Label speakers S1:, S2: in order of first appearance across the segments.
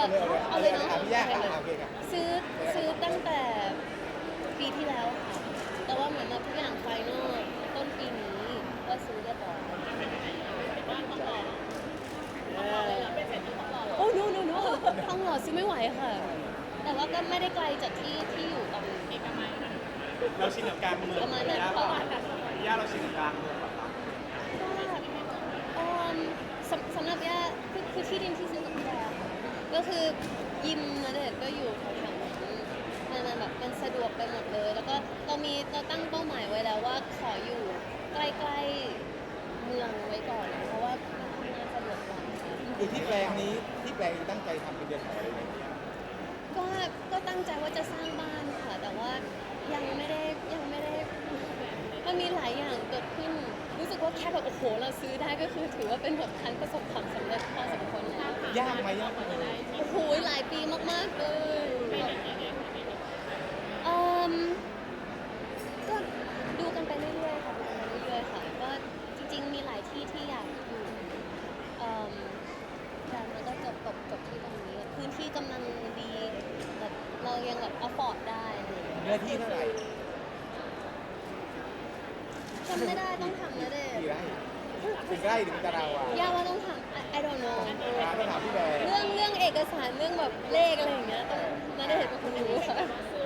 S1: เอาเลยเนาะ
S2: พี่ย่าค่ะโอเคครับ
S1: ซื้อตั้งแต่ปีที่แล้วค่ะแต่ว่าเหมือนแบบทุกอย่างไฟนอลต้นปีนี้ก็ซื้อเรียบร้อยโอ้โนทองหล่อซื้อไม่ไหวค่ะ แต่ว่าก็ไม่ได้ไกลจากที่อยู่ตอนเอกมัยค่ะ
S3: เราชินกับการเมือง
S1: ประมาณนั้น
S3: ย่าเราชินกับการเมืองแบบ
S1: สำหรับย่าคือที่ดินที่ซื้อกับพี่แดค่ะก็คือยิมณเดชน์ก็อยู่แถวๆนั้นมันแบบมันสะดวกไปหมดเลย แล้วก็เราตั้งเป้าหมายไว้แล้วว่าขออยู่ใกล้ๆเมืองไว้ก่อนเพราะว่ามันทำงานสะดวกกว่า
S2: คือที่แปลงนี้ที่แปลงตั้งใจทำเป็นเดือนของอะไรอย่างเงี้ย
S1: ก็ตั้งใจว่าจะสร้างบ้านค่ะ แต่ว่ายังไม่ได้มันมีหลายอย่างเกิดขึ้นรู้สึกว่าแค่แบบโอ้โหเราซื้อได้ก็คือถือว่าเป็นแบบคันประสบความสำเร็จพอสมควรแล้ว
S2: ยากไหมยากไหม
S1: โอ้โหหลายปีมากๆเลยก็ดูกันไปเรื่อยๆค่ะก็จริงๆมีหลายที่ที่อยากอยู่แต่มันก็จบที่ตรงนี้พื้นที่กำลังดีแบบเรายังแบบอฟอร์ดได้อะไรอย่างเงี้ย
S2: เนื้อที่เท่าไหร่
S1: จำไม่ได้ต้องทำนะเด็ก
S2: กี่ไร่เป็นไร่หรือเป็นตารางวา
S1: ย่าว่าต้องทำ I don't know
S2: ต้องถามพี่แบร์
S1: เรื่องเอกสารเรื่องแบบเลขอะไรอย่างเงี้ยต้องนาเดชน์เป็นคนรู้ค่ะ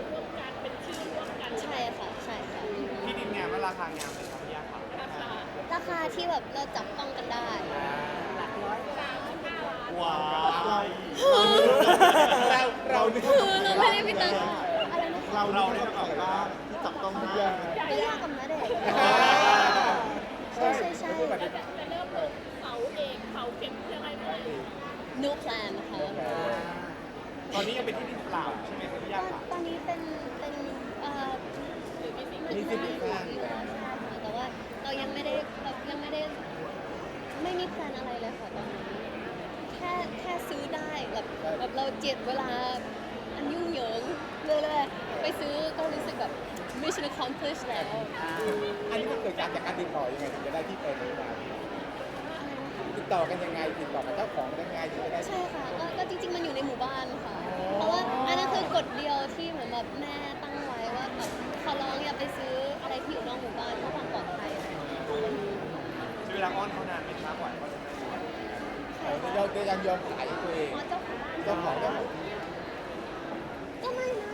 S1: ใช่ค่ะ
S3: ที่ดินงามและราคางามเลยครับย่าค่ะ
S1: ราคาที่แบบเราจับต้องกันได้
S3: ว้าว
S2: เรา
S1: คือเราไม่ได้ไปตังอะไรนะคะ
S3: เราได้แบบว่าที่จับต้องได้
S1: ก็ยากกับนาเดชน์ใช่
S4: จะเริ่มลงเสาเอกเสาเข็มยังไงเมื่อไหร่
S1: no plan นะคะ
S3: ตอนนี้ยังเป็นที่ดินเปล่าใช่ไหมครับย่าค่ะ
S1: ตอนนี้เป็นมันน่าอยู่แล้วใช่ค่ะแต่ว่าเรายังไม่ได้ไม่มีแพลนอะไรเลยค่ะตอนนี้แค่ซื้อได้แบบเราเจ็ดเวลาอันยุ่งเหยิงเลยไปซื้อก็รู้สึกแบบ mission accomplished แล้ว
S2: อันนี้มันเกิดจากการติดต่อยังไงถึงจะได้ที่แปลงนี้มาติดต่อกันยังไงติดต่อกับเจ้าของยังไงถึงจะได้
S1: ใช่ค่ะก็จริงๆมันอยู่ในหมู่บ้านค่ะ เพราะว่าอันนั้นคือกฎเดียวที่เหมือนแบบแม่ตั้งไว้ว่าแบบขอร้องอย่าไปซื้ออะไรที่อยู่นอกหมู่บ้านเพื่อความปลอดภัยอะไรอย่างเงี้ย
S3: ใช้เวลาอ้อนเขานานไหมครับกว่าเขาจะได้
S2: เราจะยังยอมขายให้ตัวเอง
S1: อ๋อเจ้าของบ้าน
S2: เจ้าของ
S1: ก็ไม่นะ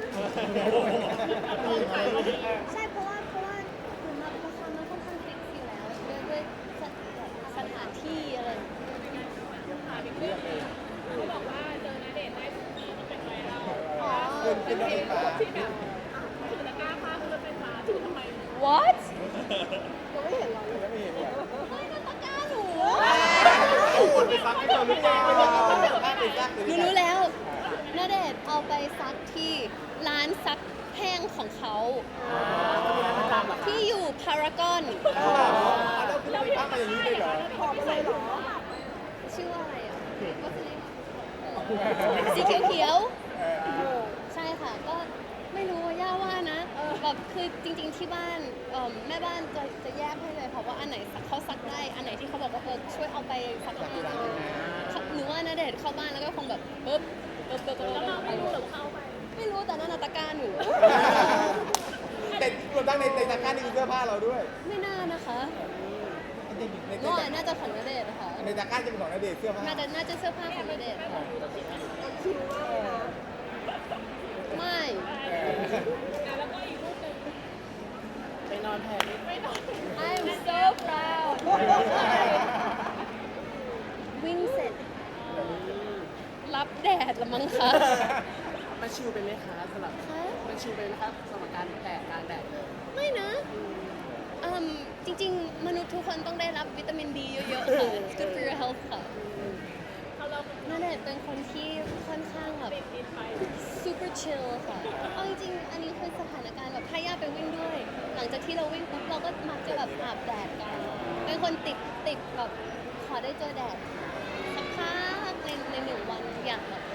S1: ใช่เพราะว่าเหมือนแบบราคามันค่อนข้างฟิกอยู่แล้วด้วยสถานที่อะไรอย่างเงี้ย
S4: เขาบอกว่าเจอณเดชน์ได้ทุกปีที่เป็นไวรัล
S1: อ๋อ
S2: เป็นรถไฟฟ้า
S4: ที่แบบถือตะกร้าผ้าคือรถไฟฟ้าถือทำไม
S1: what
S2: ยังไม่เห็นเลย
S1: ไม่นะตะกร้าหนู
S3: เอาคนไปซักให้เราหรือเปล่า
S1: หนูรู้แล้วณเดชน์เอาไปซักที่ร้านซักแห้งของเขาที่อยู่พารากอน
S2: เราขึ้นไฟฟ้ามาอย่างนี้เลยเหรอ
S1: ชื่อว่าอะไรอ่ะสีเขียวๆใช่ค่ะก็ไม่รู้ว่าย่าว่านะแบบคือจริงๆที่บ้านแม่บ้านจะแยกให้เลยค่ะว่าอันไหนเขาซักได้อันไหนที่เขาบอกว่าช่วยเอาไปซักให้หนูว่าณเดชน์เข้าบ้านแล้วก็คงแบบปึ๊บแล้วเราไม่รู้หรือเข้าไปไม่รู้แต่นั่นตะกร้าหนู
S2: แต่รวมทั้งในตะกร้านี่คือเสื้อผ้าเราด้วย
S1: ไม่น่านะคะ
S2: ใน
S1: น่าจะของณเดชน์ค่ะ
S2: ตะกร้าจะเป็นของณเดชน์เสื้อผ้า
S1: น่าจะเสื้อผ้าของณเดชน์ค่ะไม่
S4: แล้วก็อีกรูปหนึ่ง
S3: ไปนอนแผ่
S4: ไม่นอน
S1: I'm so proud วิ่งเสร็จ รับแดดละมั้งคะ
S5: มันชิวไปไหมคะสำหรับ
S1: คะ
S5: มันชิวไปไหมครับสำหรับการแดดกลางแดดเลย
S1: ไม่นะจริงๆ มนุษย์ทุกคนต้องได้รับวิตามินดีเยอะๆ ค่ะ It's good for your health ค่ะ
S4: เขาเรา
S1: ณเดชน์เป็นคนที่ค่อนข้างแบบ
S4: ติดไป
S1: super chill ค่ะ เอาจริงๆ อันนี้คือสถานการณ์แบบถ้าย่าไปวิ่งด้วย หลังจากที่เราวิ่งปุ๊บเราก็มักจะแบบอาบแดดกัน เป็นคนติดแบบขอได้เจอแดดสักพักในหนึ่งวันอยากแบบ